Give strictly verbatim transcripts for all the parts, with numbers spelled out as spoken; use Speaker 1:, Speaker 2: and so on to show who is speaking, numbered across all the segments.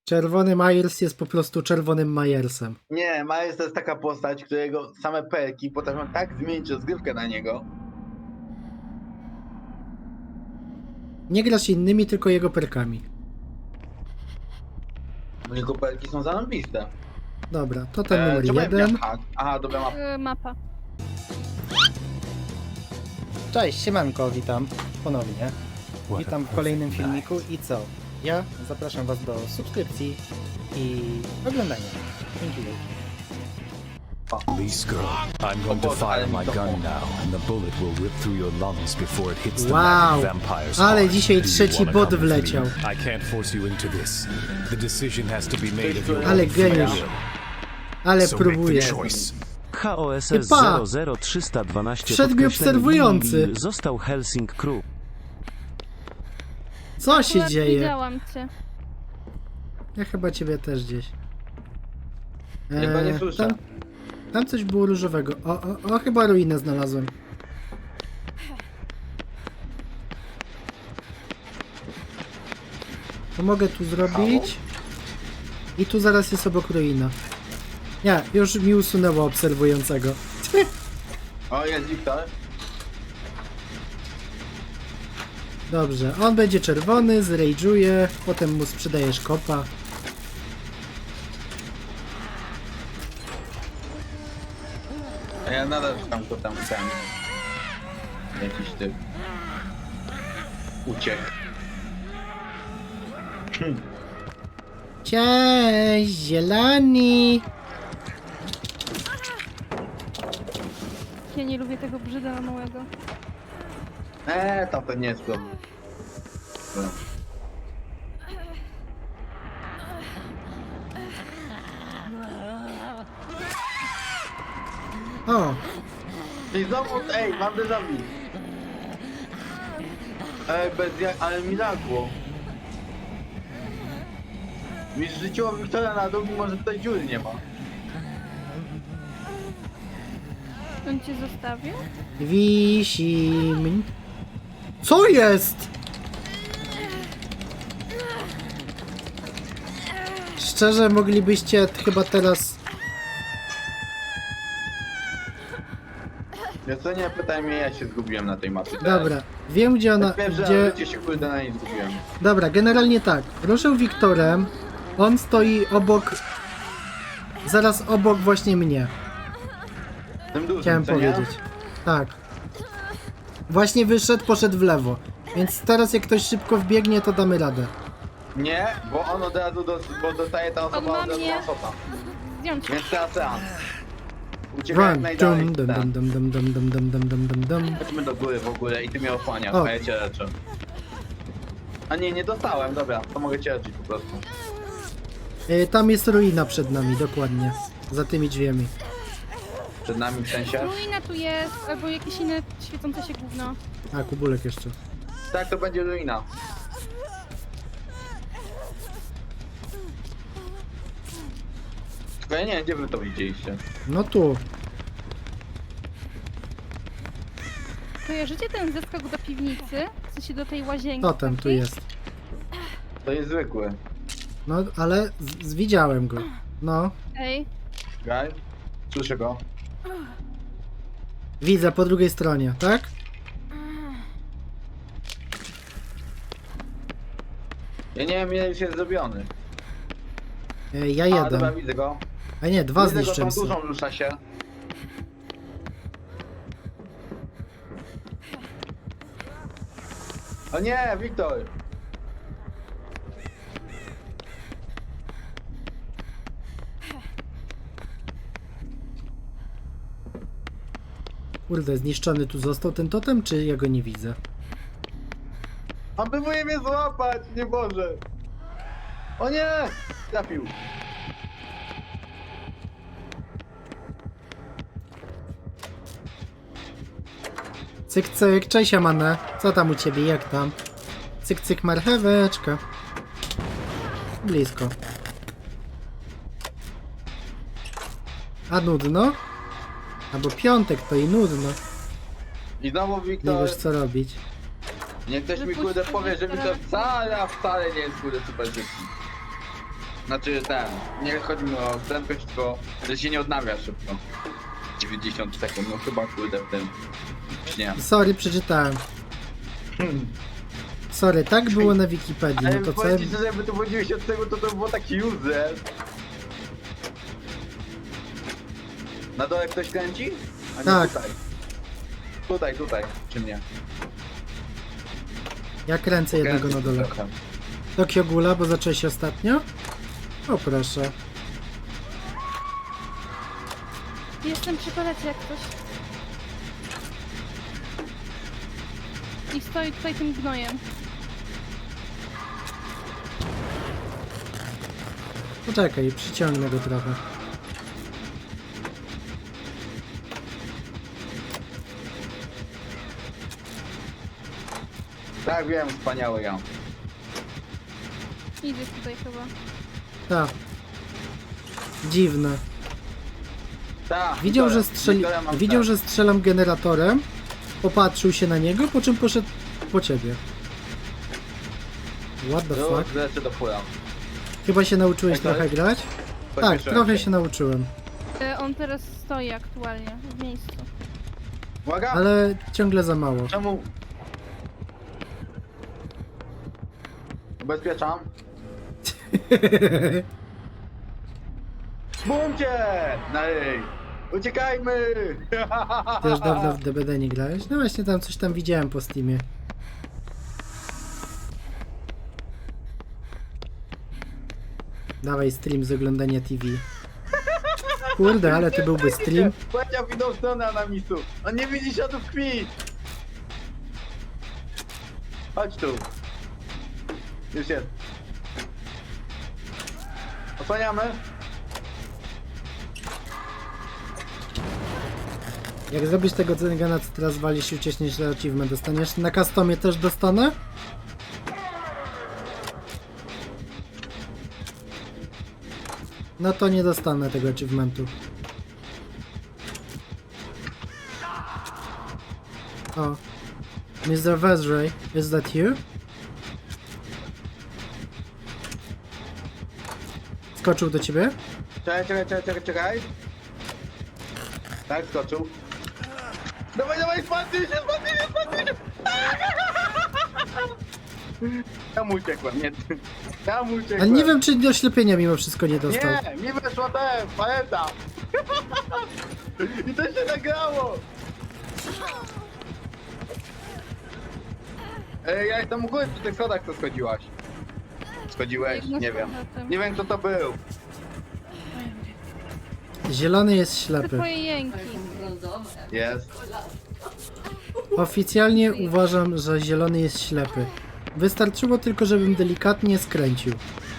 Speaker 1: Czerwony Myers jest po prostu czerwonym Myersem.
Speaker 2: Nie, Miles to jest taka postać, którego same perki potrafią tak zmienić rozgrywkę na niego.
Speaker 1: Nie grasz innymi, tylko jego perkami.
Speaker 2: Bo jego perki są zarąbiste.
Speaker 1: Dobra, to ten numer
Speaker 2: czemu ja
Speaker 1: jeden.
Speaker 2: miałem hak? Aha, dobra, mapa.
Speaker 3: Yy, mapa.
Speaker 1: Cześć, siemanko, witam ponownie. Witam w kolejnym filmiku i co? Ja zapraszam was do subskrypcji i oglądania. Dzięki wielkie.
Speaker 4: Lee Skrull, I'm going to fire my gun now, and the bullet will rip through your lungs before it hits the
Speaker 1: Wow,
Speaker 4: mad vampire's
Speaker 1: ale
Speaker 4: heart.
Speaker 1: dzisiaj
Speaker 4: Do you
Speaker 1: trzeci
Speaker 4: wanna
Speaker 1: bot
Speaker 4: come with me?
Speaker 1: wleciał.
Speaker 4: I can't force you into this. The decision has to be made of your
Speaker 1: Ale
Speaker 4: own free
Speaker 1: geniusz.
Speaker 4: will.
Speaker 1: Ale
Speaker 4: So make
Speaker 1: próbuję.
Speaker 4: the choice.
Speaker 5: H O S S
Speaker 1: Typa!
Speaker 5: zero zero trzysta dwanaście
Speaker 1: Wszedł mi
Speaker 5: podkreślenie
Speaker 1: obserwujący.
Speaker 5: Lili został Helsing Crew.
Speaker 1: Co się
Speaker 3: Akurat
Speaker 1: dzieje?
Speaker 3: Widziałam cię.
Speaker 1: Ja chyba ciebie też gdzieś.
Speaker 2: Ja go nie słyszę.
Speaker 1: tam, tam coś było różowego. O, o, o, chyba ruinę znalazłem. To mogę tu zrobić. I tu zaraz jest obok ruina. Nie, już mi usunęło obserwującego.
Speaker 2: O, jest Wiktor.
Speaker 1: Dobrze, on będzie czerwony, zrage'uje, potem mu sprzedajesz kopa.
Speaker 2: A ja nadal szukam go tam ten. Jakiś typ. Uciekł.
Speaker 1: Cześć, zieloni!
Speaker 3: Ja nie lubię tego brzyda małego.
Speaker 2: Eee, tam to nie jest problem.
Speaker 1: O,
Speaker 2: I znowu, ej, mam déjà vu. Ej, bez jak, ale mi lagło. Mi zrzuciło Wiktora na dół, mimo że tutaj dziury nie ma.
Speaker 3: On cię zostawił?
Speaker 1: wisi mnie. Co jest? Szczerze, moglibyście chyba teraz...
Speaker 2: Wiesz co, nie pytaj mnie, ja się zgubiłem na tej mapie.
Speaker 1: Dobra, wiem gdzie ona...
Speaker 2: Pierwsze
Speaker 1: Gdzie...
Speaker 2: życie się kurde na niej zgubiłem.
Speaker 1: Dobra, generalnie tak. Ruszył Wiktorem. On stoi obok... Zaraz obok właśnie mnie.
Speaker 2: Tym dużym,
Speaker 1: Chciałem
Speaker 2: co nie?
Speaker 1: powiedzieć. Tak. Właśnie wyszedł, poszedł w lewo. Więc teraz jak ktoś szybko wbiegnie, to damy radę.
Speaker 2: Nie, bo on od razu, dos, bo dostaje ta
Speaker 3: On
Speaker 2: osoba
Speaker 3: ma
Speaker 2: od razu
Speaker 3: mnie.
Speaker 2: osoba.
Speaker 3: Zdjąć cię.
Speaker 2: Więc teraz seans. Uciekaj jak
Speaker 1: Run,
Speaker 2: najdalej.
Speaker 1: dum, dum,
Speaker 2: Ten.
Speaker 1: dum, dum, dum, dum, dum, dum, dum, dum, dum.
Speaker 2: Chodźmy do góry w ogóle i ty mnie osłaniasz,
Speaker 1: O.
Speaker 2: a ja cię leczę. A nie, nie dostałem, dobra, to mogę cię leczyć po prostu.
Speaker 1: Y, Tam jest ruina przed nami, dokładnie. Za tymi drzwiami.
Speaker 2: Przed nami w sensie?
Speaker 3: Ruina tu jest, albo jakieś inne świecące się gówno.
Speaker 1: A, kubulek jeszcze.
Speaker 2: Tak, to będzie ruina. Tylko ja nie wiem, gdzie wy to widzieliście.
Speaker 1: No tu.
Speaker 3: Kojarzycie ten zeskok do piwnicy? W sensie do tej łazienki?
Speaker 1: Totem tu
Speaker 3: takiej?
Speaker 1: jest.
Speaker 2: To jest zwykły.
Speaker 1: No, ale z, z, widziałem go. No.
Speaker 3: Ej,
Speaker 2: Gaj? Słyszę go.
Speaker 1: Widzę po drugiej stronie, tak?
Speaker 2: Ja nie wiem, ile już jest zrobiony.
Speaker 1: Y, Ja
Speaker 2: A,
Speaker 1: jeden.
Speaker 2: dobra, widzę go.
Speaker 1: A nie, dwa
Speaker 2: Widzę go, tą
Speaker 1: zniszczyłem sobie.
Speaker 2: dużą rusza się. O nie, Wiktor!
Speaker 1: Kurde, zniszczony tu został ten totem, czy ja go nie widzę?
Speaker 2: On próbuje mnie złapać, nie może! O nie! Trafił.
Speaker 1: Cyk, cyk, cześć Amane. Co tam u ciebie, jak tam? Cyk, cyk, marcheweczka. Blisko. A nudno? Albo piątek, to i nudno.
Speaker 2: I znowu
Speaker 1: Nie
Speaker 2: Wiktor...
Speaker 1: wiesz co robić.
Speaker 2: Niech ktoś mi
Speaker 3: Wypuść
Speaker 2: kurde
Speaker 3: tego
Speaker 2: powie, że
Speaker 3: Wiktora.
Speaker 2: Wiktor wcale, a wcale nie jest kurde super szybki. Znaczy ten, nie chodzi mi o prędkość, tylko że się nie odnawia szybko. dziewięćdziesiąt sekund, no chyba kurde w tym. Nie.
Speaker 1: Sorry, przeczytałem. Sorry, tak było na Wikipedii,
Speaker 2: Ale
Speaker 1: no to co...
Speaker 2: powiem ci szczerze, jakby to było dziewięćdziesiąt sekund, to to było taki user. Na dole ktoś kręci? A nie
Speaker 1: Tak.
Speaker 2: tutaj. Tutaj, tutaj, czy mnie?
Speaker 1: Ja kręcę jednego na dole.
Speaker 2: Trochę.
Speaker 1: Tokio Gula, bo zacząłeś ostatnio? O proszę.
Speaker 3: Jestem przy palecie jak ktoś. I stoi tutaj tym gnojem.
Speaker 1: Poczekaj, przyciągnę go trochę.
Speaker 2: Tak wiem, wspaniały ja.
Speaker 3: Idzie tutaj chyba.
Speaker 1: Tak. Dziwne.
Speaker 2: Tak.
Speaker 1: Widział, że,
Speaker 2: Wiktoria,
Speaker 1: strzeli...
Speaker 2: Wiktoria mam
Speaker 1: Widział,
Speaker 2: tak.
Speaker 1: że strzelam generatorem, popatrzył się na niego, po czym poszedł po ciebie. What the
Speaker 2: No,
Speaker 1: fuck?
Speaker 2: lecę do fura.
Speaker 1: Chyba się nauczyłeś
Speaker 2: Jak to
Speaker 1: trochę
Speaker 2: jest?
Speaker 1: grać? Tak,
Speaker 2: Pośpieszyłem
Speaker 1: trochę się nauczyłem.
Speaker 3: E, On teraz stoi aktualnie w miejscu.
Speaker 2: Uwaga!
Speaker 1: Ale ciągle za mało.
Speaker 2: Czemu? Ubezpieczam. Bumcie! No ej! Uciekajmy!
Speaker 1: Ty już dawno w D B D nie grałeś? No właśnie tam coś tam widziałem po Steamie. Dawaj stream z oglądania T V. Kurde, ale to byłby stream.
Speaker 2: Powiedział w inną stronę Anamisu. On nie widzi śladów krwi! Chodź tu. Już jest. Osłaniamy.
Speaker 1: Jak zrobisz tego Zengana, co teraz walisz i ucieczniesz, że achievement dostaniesz. Na customie też dostanę? No to nie dostanę tego achievementu. O. mister Vezray, is that you? Skoczył do ciebie?
Speaker 2: Czekaj, czekaj, czekaj, czekaj, czekaj. Tak, skoczył. Dawaj, dawaj, spadnij się, spadnij się, spadnij się! Ja mu uciekłem, nie ty. Ja mu uciekłem.
Speaker 1: Ale nie wiem, czy do oślepienia mimo wszystko nie dostał.
Speaker 2: Nie, mi weszła ten, paleta. I to się nagrało. Ej, ja jestem u góry przy tych schodach, co schodziłaś. Schodziłeś?
Speaker 3: Jedna
Speaker 2: Nie
Speaker 3: z
Speaker 2: wiem.
Speaker 3: powrotem.
Speaker 2: Nie wiem, kto to był.
Speaker 1: Zielony jest
Speaker 3: Te
Speaker 1: ślepy.
Speaker 3: twoje jęki.
Speaker 2: Jest.
Speaker 1: Oficjalnie uważam, że zielony jest ślepy. Wystarczyło tylko, żebym delikatnie skręcił.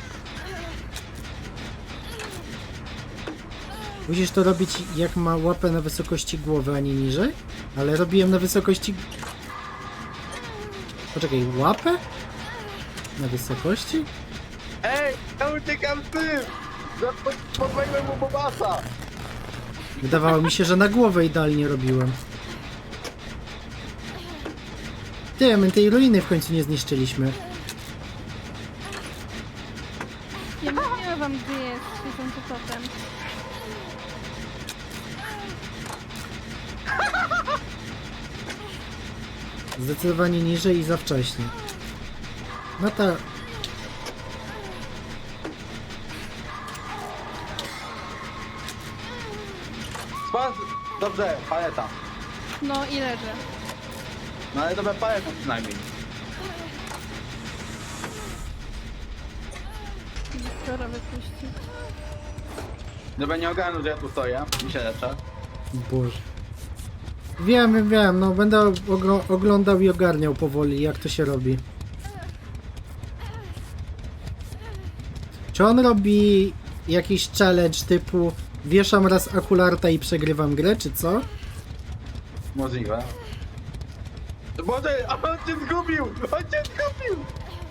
Speaker 1: Musisz to robić jak ma łapę na wysokości głowy, a nie niżej? Ale robiłem na wysokości... Poczekaj, łapę? Na wysokości?
Speaker 2: Ej, ja uciekam z tym! Za- Podwaiłem mu Bobasa!
Speaker 1: Wydawało mi się, że na głowę idealnie robiłem. Ty, my tej ruiny w końcu nie zniszczyliśmy.
Speaker 3: Ja mówiłem wam, gdzie jest świecący totem.
Speaker 1: Zdecydowanie niżej i za wcześnie. No to...
Speaker 2: Spadł! Dobrze, paleta.
Speaker 3: No i leży.
Speaker 2: No ale dobra paleta przynajmniej.
Speaker 3: Wiktora wypuści.
Speaker 2: Dobra, nie ogarnął, że ja tu stoję. Mi się leczę.
Speaker 1: Boże. Wiem, wiem, no będę ogro- oglądał i ogarniał powoli, jak to się robi. Czy on robi jakiś challenge typu wieszam raz akularta i przegrywam grę, czy co?
Speaker 2: Możliwe. Boże, a on cię zgubił! On cię zgubił!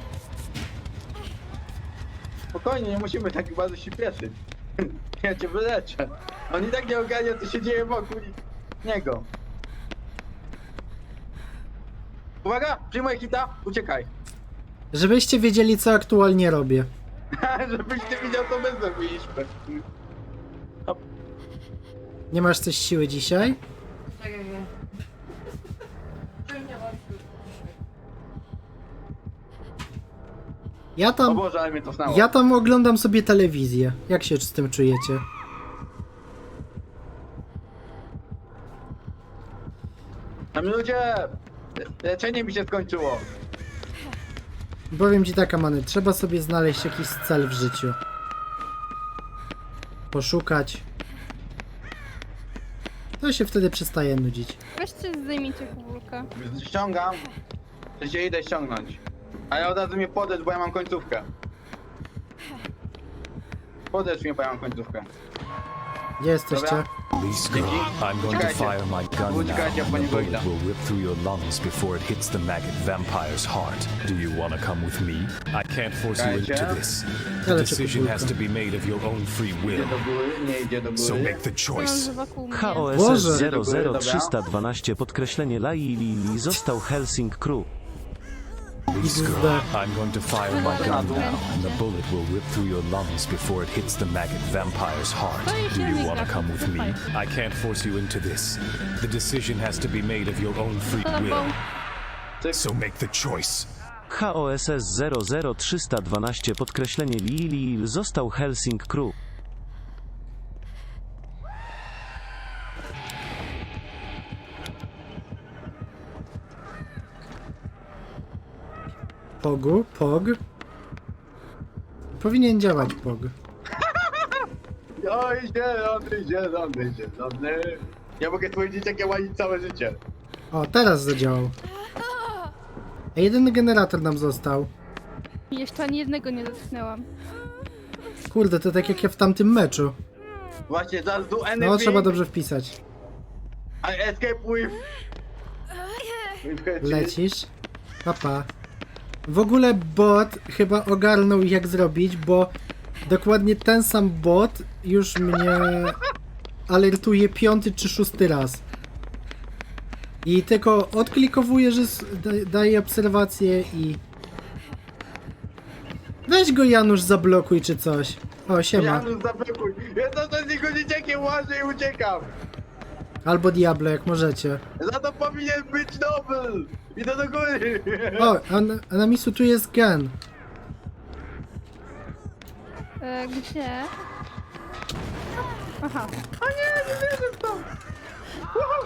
Speaker 2: Spokojnie, nie musimy tak bardzo się pieszyć. Ja cię wyleczę. On i tak nie ogarnia, co się dzieje wokół niego. Uwaga! Przyjmuję hita, uciekaj.
Speaker 1: Żebyście wiedzieli, co aktualnie robię.
Speaker 2: Żebyś ty widział, co my zrobiliśmy.
Speaker 1: Nie masz coś siły dzisiaj? Ja
Speaker 2: O
Speaker 1: tam,
Speaker 2: Boże, ale mnie to znało.
Speaker 1: ja tam oglądam sobie telewizję. Jak się z tym czujecie?
Speaker 2: Tam ludzie! Leczenie mi się skończyło.
Speaker 1: Powiem ci tak, Amany, trzeba sobie znaleźć jakiś cel w życiu. Poszukać. To się wtedy przestaje nudzić.
Speaker 3: Weźcie zdejmijcie kubulkę.
Speaker 2: Ściągam. To się idę ściągnąć. A ja od razu mnie podecz, bo ja mam końcówkę. Podecz mnie, bo ja mam końcówkę.
Speaker 1: Gdzie jesteście?
Speaker 2: Dobra.
Speaker 4: Lee Scroll, I'm going to
Speaker 2: Uciekajcie.
Speaker 4: fire my gun now,
Speaker 2: Uciekajcie,
Speaker 4: and
Speaker 2: po
Speaker 4: the
Speaker 2: niego
Speaker 4: bullet
Speaker 2: idę.
Speaker 4: will rip through your lungs before it hits the maggot vampire's heart. Do you want to come with me? I can't force you into
Speaker 2: Uciekajcie.
Speaker 4: this.
Speaker 1: Ja
Speaker 4: The
Speaker 1: leczę
Speaker 4: decision has to
Speaker 1: kubulkę.
Speaker 4: be made of your own free
Speaker 2: Idzie
Speaker 4: will.
Speaker 2: do góry, nie idzie do
Speaker 4: So
Speaker 2: góry.
Speaker 4: make the
Speaker 3: Mam,
Speaker 4: choice.
Speaker 3: że wokół mnie.
Speaker 5: H O S
Speaker 1: Boże.
Speaker 5: S zero zero
Speaker 2: Dobra.
Speaker 5: trzysta dwanaście podkreślenie Lai Lili został Helsing Crew.
Speaker 4: Lee Scroll,
Speaker 1: Xd.
Speaker 4: I'm going to fire my gun now, and the bullet will rip through your lungs before it hits the maggot vampire's heart. Do you want to come with me? I can't force you into this. The decision has to be made of your own free
Speaker 3: Tobą.
Speaker 4: will. So make the choice.
Speaker 5: H O S S zero zero trzysta dwanaście podkreślenie Lili został Helsing Crew.
Speaker 1: Pogu, pog. Powinien działać pog.
Speaker 2: Oj, zielony, zielony, zielony. Ja mogę twoje dzieciakie łazić całe życie.
Speaker 1: O, teraz zadziałał. A jedyny generator nam został.
Speaker 3: Jeszcze ani jednego nie dotknęłam.
Speaker 1: Kurde, to tak jak ja w tamtym meczu.
Speaker 2: Właśnie, just do anything.
Speaker 1: No, trzeba dobrze wpisać.
Speaker 2: I escape with... with her cheese.
Speaker 1: Lecisz. Papa. W ogóle bot chyba ogarnął jak zrobić, bo dokładnie ten sam bot już mnie alertuje piąty czy szósty raz. I tylko odklikowuje, że s- da- daje obserwację i... Weź go Janusz zablokuj czy coś. O, siema.
Speaker 2: Janusz, zablokuj. Ja to z niego dzieciakiem łażę i uciekam.
Speaker 1: Albo Diablo, jak możecie.
Speaker 2: Za to powinien być Nobel. Idę do góry.
Speaker 1: O, a na, a na misu tu jest gen.
Speaker 3: E, gdzie? Aha.
Speaker 2: O nie, nie wierzę w to. Wow.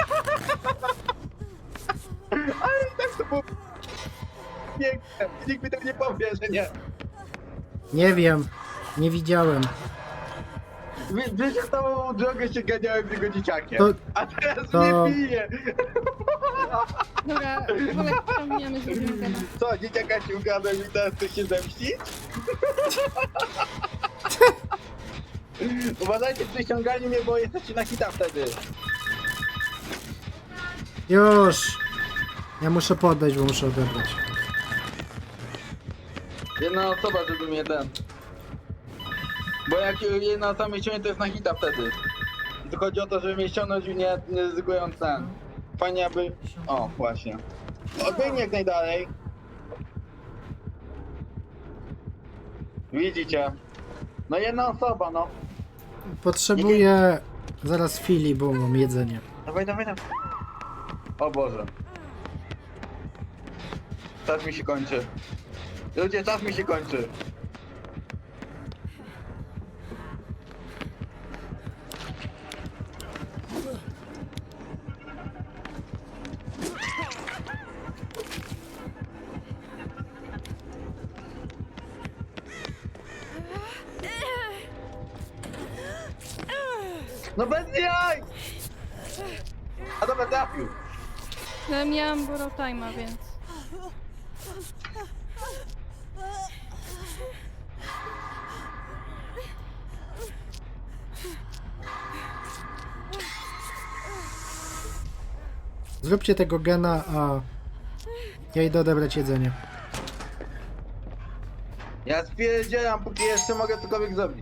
Speaker 2: Ale i tak to było piękne. Nikt mi tego nie powie, że nie.
Speaker 1: Nie wiem. Nie widziałem.
Speaker 2: Wy- Wiesz, że całą drogę się ganiałem z jego dzieciakiem.
Speaker 1: To-
Speaker 2: A teraz
Speaker 1: to-
Speaker 2: mnie bije.
Speaker 3: Dobra, wolę pomijamy, że nie gada.
Speaker 2: Co, dzieciaka ci ukradłem i teraz chcesz się zemścić? Uważajcie przy ściąganiu mnie, bo jesteście na hita wtedy.
Speaker 1: Już. Ja muszę podejść, bo muszę odebrać.
Speaker 2: Jedna osoba, żeby mnie ten... Bo jak jedna osoba mnie ściągnie, to jest na hita wtedy. I tu chodzi o to, żeby mnie ściągnąć i nie, nie ryzykując ten. Fajnie aby... O, właśnie. Odbiegnij jak najdalej. Widzicie? No jedna osoba, no.
Speaker 1: Potrzebuję zaraz fili, bo mam jedzenie.
Speaker 2: Dawaj, dawaj, dawaj. O Boże. Czas mi się kończy. Ludzie, czas mi się kończy. No bez jaj! A dobra, trafił.
Speaker 3: No, miałam borrow time'a, więc...
Speaker 1: Zróbcie tego gena, a ja idę odebrać jedzenie.
Speaker 2: Ja spierdzielam, póki jeszcze mogę cokolwiek zrobić.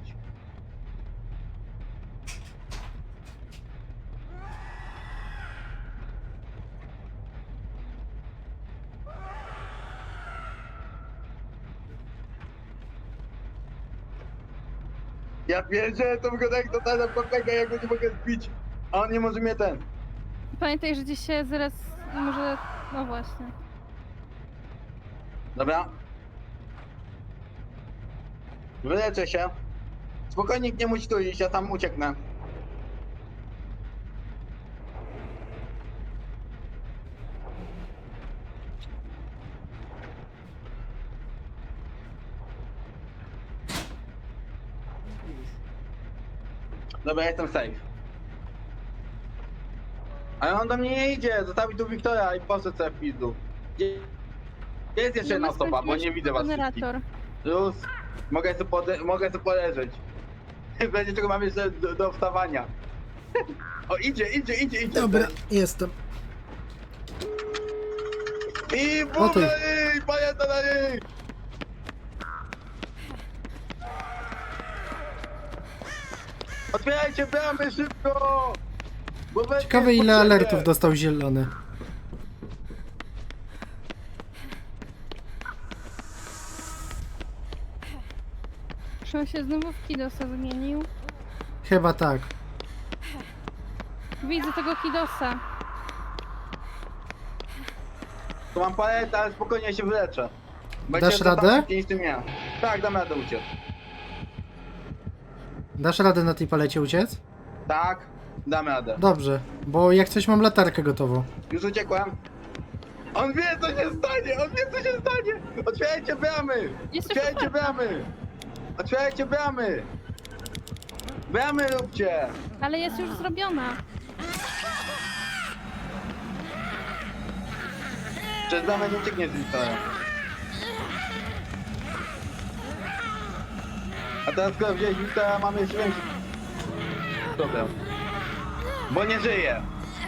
Speaker 2: Ja pierdzielę, to wygląda jak totalna papega, jak go nie mogę zbić. A on nie może mnie ten.
Speaker 3: Pamiętaj, że gdzieś się zaraz może... No właśnie.
Speaker 2: Dobra. Wyleczę się. Spokojnie, nie musi tu iść, ja tam ucieknę. Dobra, jestem safe. Ale on do mnie nie idzie, zostawi tu Wiktora i poszedł sobie w pizdu. Gdzie- Gdzie jest jeszcze jedna osoba, bo nie widzę was wszystkich.
Speaker 3: Generator.
Speaker 2: Już, mogę sobie, pode- mogę sobie poleżeć. Będzie tylko mam jeszcze do, do wstawania. O, idzie, idzie, idzie, idzie.
Speaker 1: Dobra, jestem.
Speaker 2: I
Speaker 1: O ty.
Speaker 2: bum na niej, pamięta na niej! Otwierajcie bramy szybko! Bo będzie
Speaker 1: Ciekawe ile
Speaker 2: potrzebne.
Speaker 1: alertów dostał zielony.
Speaker 3: Czy on się znowu w Kidosa zmienił?
Speaker 1: Chyba tak.
Speaker 3: Widzę tego Kidosa.
Speaker 2: Tu mam paletę, ale spokojnie się wyleczę.
Speaker 1: Dasz radę?
Speaker 2: Niż ty miał. Tak, dam radę uciec.
Speaker 1: Dasz radę na tej palecie uciec?
Speaker 2: Tak, dam radę.
Speaker 1: Dobrze, bo jak coś mam latarkę gotową.
Speaker 2: Już uciekłem. On wie co się stanie, on wie co się stanie! Otwierajcie bramy!
Speaker 3: Jest
Speaker 2: Otwierajcie
Speaker 3: otwarta.
Speaker 2: bramy! Otwierajcie bramy! Bramy róbcie!
Speaker 3: Ale jest już zrobiona.
Speaker 2: Przez bramę nie ucieknie z Wiktora. A teraz skoro wziąłeś Wiktora, mamy jeszcze większy problem. Bo nie żyje.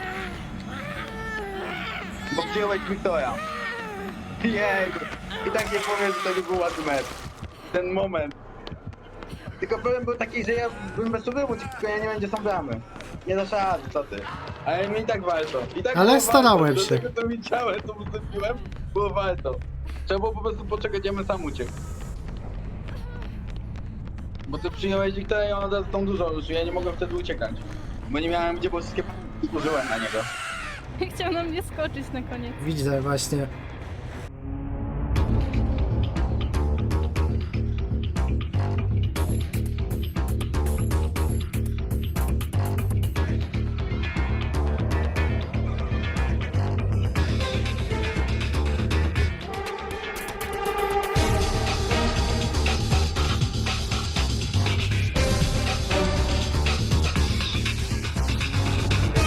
Speaker 2: Bo przyjąłeś Wiktora. Jej! I tak nie powiem, że to nie był ładny mecz. Ten moment. Tylko problem był taki, że ja bym bez trudu uciekł, tylko ja nie będzie są bramy. Nie dasz rady, co ty. Ale mi i tak warto. I tak
Speaker 1: Ale
Speaker 2: było
Speaker 1: starałem
Speaker 2: warto.
Speaker 1: się.
Speaker 2: Do tego, co widziałem, co zrobiłem, było warto. Trzeba było po prostu poczekać, ja bym sam uciekł. Bo ty przyjąłeś Wiktora i on od razu tą dużą już, ja nie mogłem wtedy uciekać. Bo nie miałem gdzie, bo wszystkie p- użyłem na niego.
Speaker 3: Chciał na mnie skoczyć na koniec.
Speaker 1: Widzę właśnie.